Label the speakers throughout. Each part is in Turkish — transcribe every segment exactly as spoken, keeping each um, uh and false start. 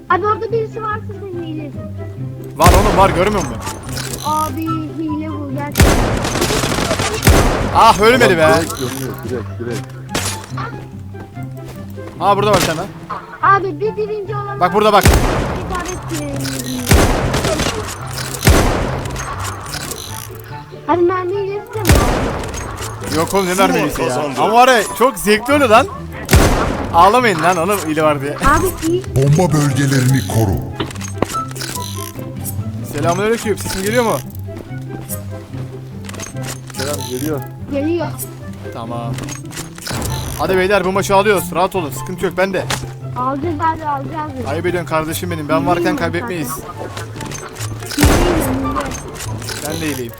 Speaker 1: Abi orada birisi varsa sen hilesin.
Speaker 2: Var oğlum var, görmüyor musun?
Speaker 1: Abi hile bu gerçekten.
Speaker 2: Ah ölmedi be.
Speaker 3: Direkt dönüyor, direkt direkt.
Speaker 2: Ha burada var sana.
Speaker 1: Abi bir birinci olan.
Speaker 2: Bak burada bak.
Speaker 1: İşaret girelim. Hadi mermi hilesi de mi?
Speaker 2: Yok oğlum ne vermeyisi ya.
Speaker 4: kazandı.
Speaker 2: Ama var ya çok zevkli oluyor lan. Ağlamayın lan, onun ili var diye.
Speaker 1: Abi iyi.
Speaker 5: Bomba bölgelerini koru.
Speaker 2: Selamünaleyküm, sesim geliyor mu?
Speaker 3: Selam geliyor.
Speaker 1: Geliyor.
Speaker 2: Tamam. Hadi beyler bu maçı alıyoruz. Rahat olun, sıkıntı yok bende.
Speaker 1: Alacağız abi alacağız.
Speaker 2: Ayıp ediyorsun kardeşim benim. Ben varken kaybetmeyiz. Ben de iyileyim.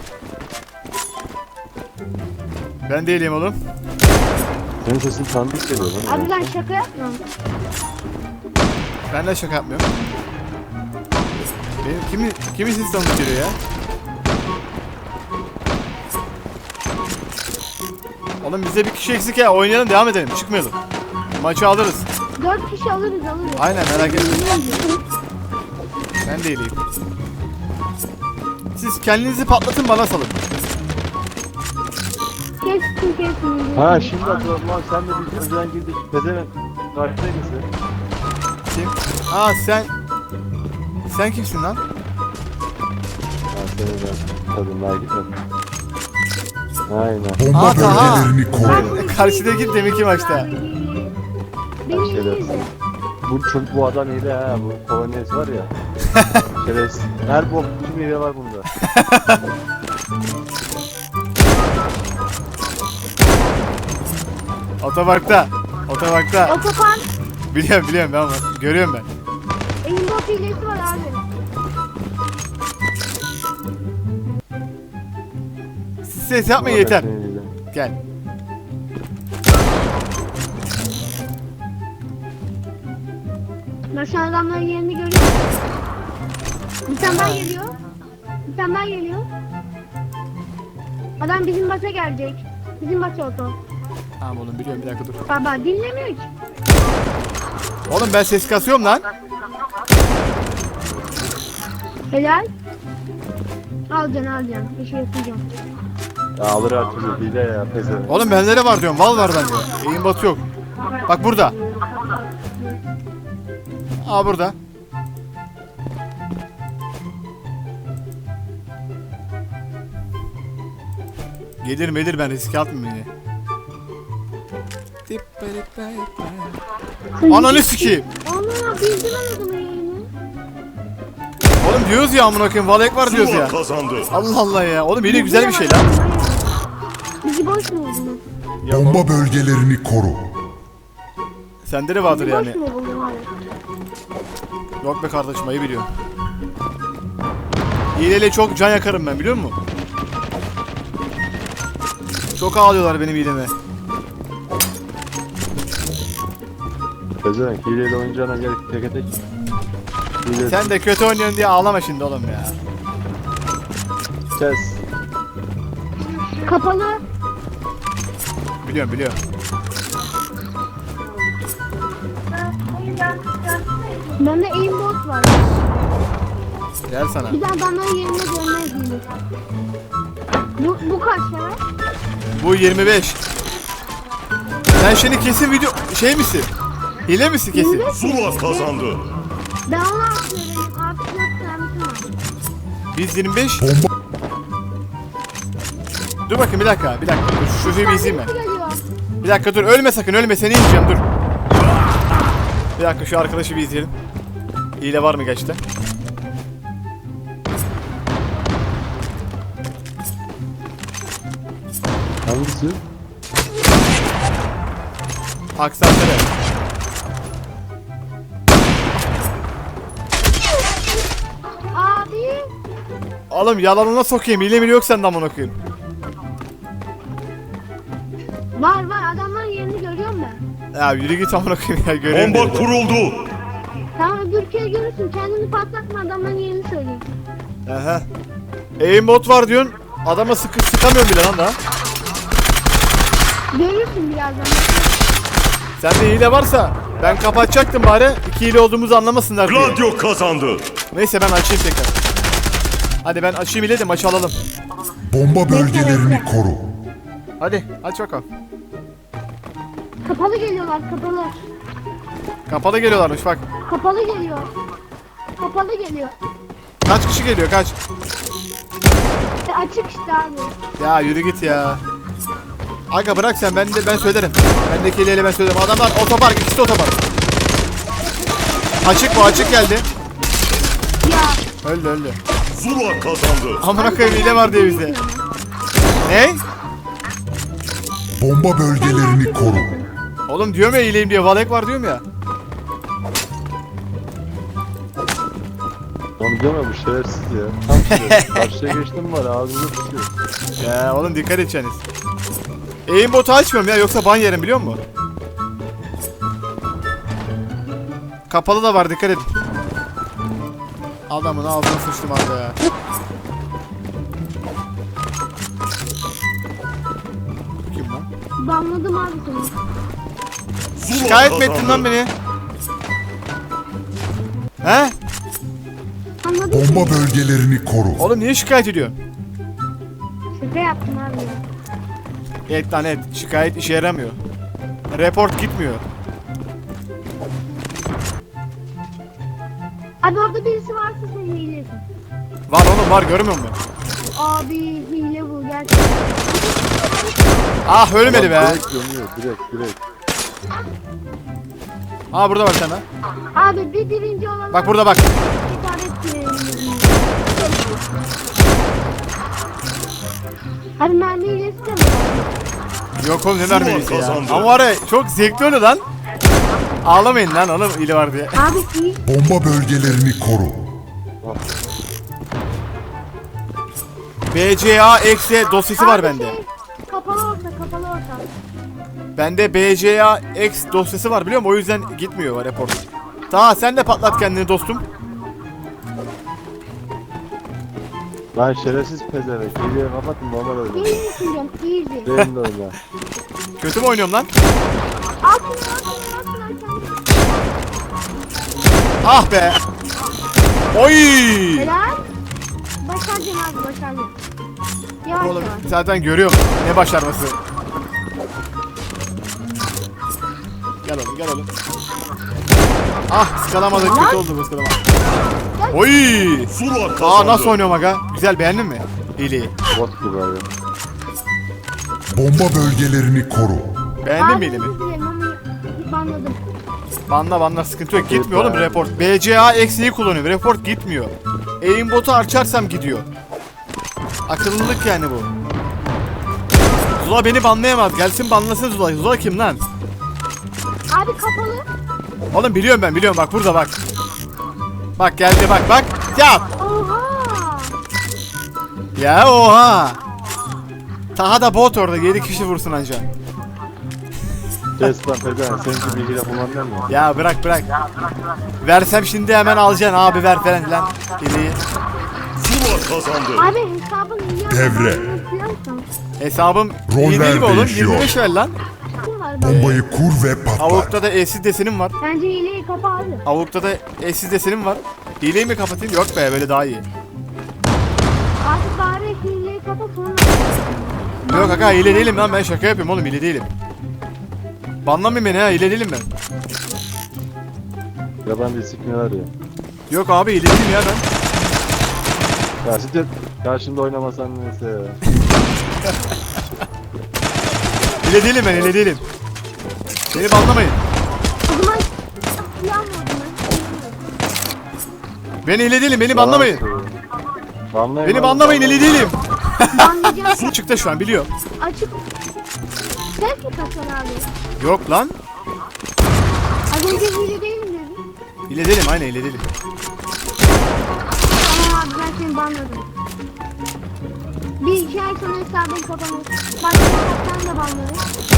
Speaker 2: Ben de iyileyim oğlum.
Speaker 3: Senin sesin tanıdık geliyor lan.
Speaker 1: Abi ben şaka yapmıyorum.
Speaker 2: Ben de şaka yapmıyorum. Benim kimi kimi siz tanıdık geliyor ya? Oğlum bize bir kişi eksik ya. Oynayalım, devam edelim. Çıkmayalım. Maçı alırız.
Speaker 1: Dört kişi alırız alırız.
Speaker 2: Aynen, merak etme. Ben de iyileyim. Siz kendinizi patlatın, bana salın.
Speaker 1: Kestim kestim.
Speaker 3: Ha şimdi hatırladım lan, sen de biz önceden girdik. Pezevenk. Karşıdaydın sen.
Speaker 2: Kim? Aa sen... Sen kimsin lan?
Speaker 3: Ha seni ben tadımlar gitmedim. Aynen.
Speaker 5: Bomba
Speaker 2: Aa, Taha.
Speaker 5: bölgelerini koru.
Speaker 2: Karşıdaki deminki maçta.
Speaker 1: Benim
Speaker 3: Şeyler.
Speaker 1: iyiydi.
Speaker 3: Bu çocuk bu adam hile ha, bu kolonyası var ya. Şerefsiz. Her bok bütün hile var bunda.
Speaker 2: Otoparkta. Otoparkta.
Speaker 1: Otopan.
Speaker 2: Biliyorum biliyorum ben var. Görüyorum ben.
Speaker 1: Aimbot hilesi var abi.
Speaker 2: Siz ses yapmayın yeter. Gel.
Speaker 1: Ben şu an adamların yerini görüyorum. Bir tane daha geliyor. Bir tane daha geliyor. Adam bizim basa gelecek. Bizim basa oto.
Speaker 2: Tamam oğlum biliyorum, bir dakika dur.
Speaker 1: Baba dinlemiyor ki.
Speaker 2: Oğlum ben ses kasıyorum lan.
Speaker 1: Helal. Alacaksın alacaksın. Bir şey yapacağım.
Speaker 3: Ya alır her türlü hile ya, pezevenk.
Speaker 2: Oğlum bende var diyorum. Val var bende. Eğim batı yok. Bak burada. Aa burada. Gelir melir, ben riske atmayayım yine. Ananı sikeyim.
Speaker 1: Ana bildim adamın yerini.
Speaker 2: Oğlum diyoruz ya amına koyayım, Valek var diyoruz
Speaker 4: Zula
Speaker 2: ya.
Speaker 4: kazandı.
Speaker 2: Allah Allah ya. Oğlum yine güzel bir şey lan.
Speaker 1: Bizi boş mu buldun?
Speaker 5: Bomba bölgelerini koru.
Speaker 2: Sende de vardır
Speaker 1: Bizi boş
Speaker 2: yani.
Speaker 1: mu buldun abi?
Speaker 2: Yok be kardeşim, ayı biliyorum. Hileyle çok can yakarım ben, biliyor musun? Çok ağlıyorlar benim hileme.
Speaker 3: Pezevenk hileyle oynayacağına gerek tek tek. Hile
Speaker 2: Sen de kötü oynuyorsun diye ağlama şimdi oğlum ya.
Speaker 3: kes.
Speaker 1: Kapalı.
Speaker 2: Biliyorum biliyorum.
Speaker 1: Bende aimbot var.
Speaker 2: Gel sana.
Speaker 1: Bir de adamların yerine görmez miyim? Bu, bu kaç lira?
Speaker 2: Bu yirmi beş. Sen şimdi kesin video şey misin? Hile misin kesin?
Speaker 1: yirmi beş.
Speaker 4: Zula kazandı.
Speaker 1: Ben onu atıyorum. Artık yok sermisim var.
Speaker 2: Biz yirmi beş.
Speaker 5: Bomba
Speaker 2: Dur bakayım bir dakika, bir dakika. Dur şu filmi izleyeyim ben.
Speaker 1: Sermisi geliyor.
Speaker 2: Bir dakika dur, ölme sakın, ölme, seni yiyeceğim, dur. Bir dakika şu arkadaşı bir izleyelim. Hile var mı gerçekten?
Speaker 3: Hangisi?
Speaker 2: Aksantere.
Speaker 1: Abi.
Speaker 2: Oğlum yalanına sokayım, hile mi yok sende amına koyayım.
Speaker 1: Var var adamların yerini görüyorum ben.
Speaker 2: Ya yürü git amına koyayım ya, göreyim.
Speaker 4: Bomba
Speaker 2: dedim.
Speaker 4: kuruldu.
Speaker 1: Tamam öbür kere görürsün. Kendini patlatma adamların yerini söyleyeyim.
Speaker 2: Aha. Aimbot var diyorsun. Adama sıkı sıkamıyorum bile lan daha.
Speaker 1: Görürsün birazdan.
Speaker 2: Sende hile varsa ben kapatacaktım bari. İki hile olduğumuzu anlamasınlar diye.
Speaker 4: Gladio kazandı.
Speaker 2: Neyse ben açayım tekrar. Hadi ben açayım hile de maçı alalım.
Speaker 5: Bomba bölgelerini koru.
Speaker 2: Hadi aç bakalım.
Speaker 1: Kapalı geliyorlar kapalı.
Speaker 2: Kapalı geliyorlarmış bak.
Speaker 1: Kapalı geliyor. Kapalı geliyor.
Speaker 2: Kaç kişi geliyor kaç?
Speaker 1: E, açık işte abi.
Speaker 2: Ya yürü git ya. Aga bırak sen ben de ben söylerim. Bendeki hileyle ben söylerim. Adamlar otopark ikisi de otopark. Açık bu açık geldi.
Speaker 1: Ya.
Speaker 2: Öldü öldü.
Speaker 4: Zula kazandı.
Speaker 2: Amına koyayım hile var diye bizde. Ne?
Speaker 5: Bomba bölgelerini koru.
Speaker 2: Oğlum diyorum ya hileyim diye. Valek var diyorum ya.
Speaker 3: Onu diyorum ya bu şerefsiz ya. Tam şerefsiz. Karşıya geçtim var ağzını tutuyor.
Speaker 2: Ya oğlum dikkat edeceksiniz. Aimbotu açmıyorum ya yoksa ban yerim biliyor musun? Kapalı da var dikkat edin. Adamın ağzına sıçtım abi ya. Kim lan?
Speaker 1: Banladım abi seni.
Speaker 4: Zula
Speaker 2: Şikayet mi
Speaker 4: kazandı.
Speaker 2: ettin lan beni? He?
Speaker 1: Anladım.
Speaker 5: Bomba bölgelerini koru.
Speaker 2: Oğlum niye şikayet ediyorsun?
Speaker 1: Şaka yaptım abi.
Speaker 2: Et lan et. Şikayet işe yaramıyor. Report gitmiyor.
Speaker 1: Abi orada birisi varsa sen hilesin.
Speaker 2: Var oğlum var görmüyor musun?
Speaker 1: Abi hile bu gerçekten.
Speaker 2: Ah ölmedi be.
Speaker 3: Direkt dönüyor direkt direkt.
Speaker 2: Aa burada bak sana.
Speaker 1: Abi bir birinci olan.
Speaker 2: Bak burada bak.
Speaker 1: İşaret girelim. Abi mermi hilesi de mi?
Speaker 2: Yok oğlum ne
Speaker 4: Zula
Speaker 2: vermeyesi ya.
Speaker 4: kazandı.
Speaker 2: Ama var ya çok zevkli oyunu lan. Ağlamayın lan oğlum hile var diye.
Speaker 1: Abi iyi.
Speaker 5: Bomba bölgelerini koru.
Speaker 2: B C A eksi dosyası var
Speaker 1: Abi
Speaker 2: bende.
Speaker 1: şey, kapalı orta kapalı orta.
Speaker 2: Bende B C A X dosyası var biliyor musun? O yüzden gitmiyor var report. Daha sen de patlat kendini dostum.
Speaker 3: Lan şerefsiz pezevenk. İyiye kapatın normal oyna.
Speaker 1: İyi misin diyorum easy.
Speaker 3: Benim de oyna.
Speaker 2: Kötü mü oynuyorum lan?
Speaker 1: Altına altına altına altına.
Speaker 2: Ah be. Oy.
Speaker 1: Helal. Başardın abi başardın. Yavaş
Speaker 2: Oğlum
Speaker 1: yavaş.
Speaker 2: zaten görüyorum ne başarması. Gel oğlum gel oğlum. Ah ıskalamadık kötü oldu bu ıskalama. Oy.
Speaker 4: Zula kazandı.
Speaker 2: Aa nasıl oynuyorum aga? Güzel beğendin mi? Hileyi.
Speaker 3: Bot gibi abi.
Speaker 5: Bomba bölgelerini koru.
Speaker 2: Beğendin mi
Speaker 1: Abi
Speaker 2: hilemi?
Speaker 1: özür dilerim ama banladım.
Speaker 2: Banla banla sıkıntı yok gitmiyor oğlum report. B C A eksiği kullanıyorum report gitmiyor. Aimbotu açarsam gidiyor. Akıllılık yani bu. Zula beni banlayamaz. Gelsin banlasın Zula. Zula kim lan?
Speaker 1: Abi kapalı.
Speaker 2: Oğlum biliyorum ben biliyorum bak burada bak. Bak geldi bak bak. Ya.
Speaker 1: Oha.
Speaker 2: Ya oha. Taha da bot orada yedi kişi vursun anca.
Speaker 3: Kes lan pezevenk. Senin gibi bilgiyle kullanmıyor mu?
Speaker 2: Ya bırak bırak. Versem şimdi hemen alacaksın abi ver falan lan. İyi.
Speaker 4: Zula kazandı.
Speaker 1: Abi hesabın iyi
Speaker 5: Devre.
Speaker 1: yapıyorsan.
Speaker 2: Hesabım
Speaker 5: Roller
Speaker 2: iyi değil mi oğlum?
Speaker 5: değişiyor.
Speaker 2: yirmi beş ver lan.
Speaker 1: Ne var be?
Speaker 5: Bombayı kur ve patlat.
Speaker 2: Avukta da eşsiz desenim var.
Speaker 1: Bence hileyi kapa abi.
Speaker 2: Avukta da eşsiz desenim var. Hileyi mi kapatayım? Yok be böyle daha iyi.
Speaker 1: Artık bari hileyi kapa sonra.
Speaker 2: Yok kaka hile değilim lan ben şaka yapıyorum oğlum hile değilim. Banlamayın beni ha hile değilim ben.
Speaker 3: Yabancı sikmi var ya.
Speaker 2: Yok abi hile değilim ya ben.
Speaker 3: Ya siktir. Karşımda oynamasan neyse ya.
Speaker 2: Hile değilim ben hile değilim. Beni banlamayın.
Speaker 1: O zaman silah mı o zaman?
Speaker 2: Ben hile değilim beni banlamayın.
Speaker 3: Banlayın
Speaker 2: Beni
Speaker 3: abi,
Speaker 2: banlamayın hile değilim.
Speaker 1: Banlayacağım.
Speaker 2: Çıktı şu an biliyor.
Speaker 1: Açık. Ses mi kaçar abi?
Speaker 2: Yok lan.
Speaker 1: Az önce hile değilim dedin.
Speaker 2: Hile değilim aynen hile değilim.
Speaker 1: Tamam abi ben seni banladım. Bir iki ay sonra hesabın kapanır. Başka hesaptan da banlarım.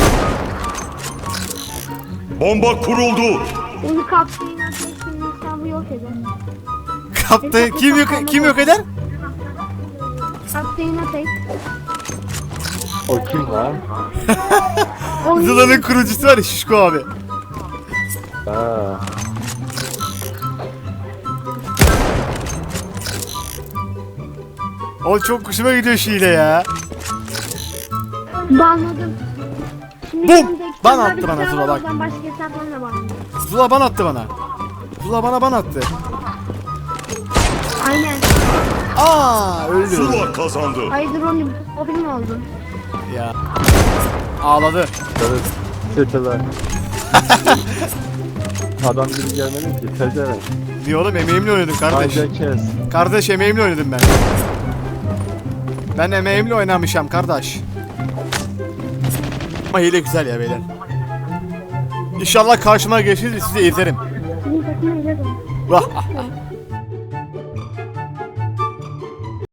Speaker 4: Bomba kuruldu.
Speaker 1: Onu kaptığın arkadaşının hesabı yok eder.
Speaker 2: Kaptı. Kim yok kim yok eder?
Speaker 1: Kaptığın ateş.
Speaker 3: O kim lan?
Speaker 1: O
Speaker 2: Zula'nın kurucusu var ya Şişko abi.
Speaker 3: Ha.
Speaker 2: O çok hoşuma gidiyor Şile ya.
Speaker 1: Banladım. Şimdi
Speaker 2: Bum!
Speaker 1: yanımda iki
Speaker 2: Ban
Speaker 1: tane
Speaker 2: attı
Speaker 1: bilgisayar
Speaker 2: bana Zula,
Speaker 1: var,
Speaker 2: bak.
Speaker 1: oradan başka hesaplarla banladım.
Speaker 2: Zula ban attı bana. Zula bana ban attı.
Speaker 1: Aynen.
Speaker 2: Aa öldü.
Speaker 4: Zula kazandı.
Speaker 1: Hayırdır onu mobil mi oldu?
Speaker 2: Ya. Ağladı.
Speaker 3: Sarı seteler. Adam gibi gelmedi ki. Tezeren.
Speaker 2: Niye oğlum, emeğimle oynadım kardeş.
Speaker 3: Kanca kes.
Speaker 2: Kardeş emeğimle oynadım ben. Ben emeğimle oynamışım kardeş. Ama hile güzel ya beyler. İnşallah karşıma geçiriz, sizi ezerim.
Speaker 1: Senin takımı ile de.
Speaker 2: Vah.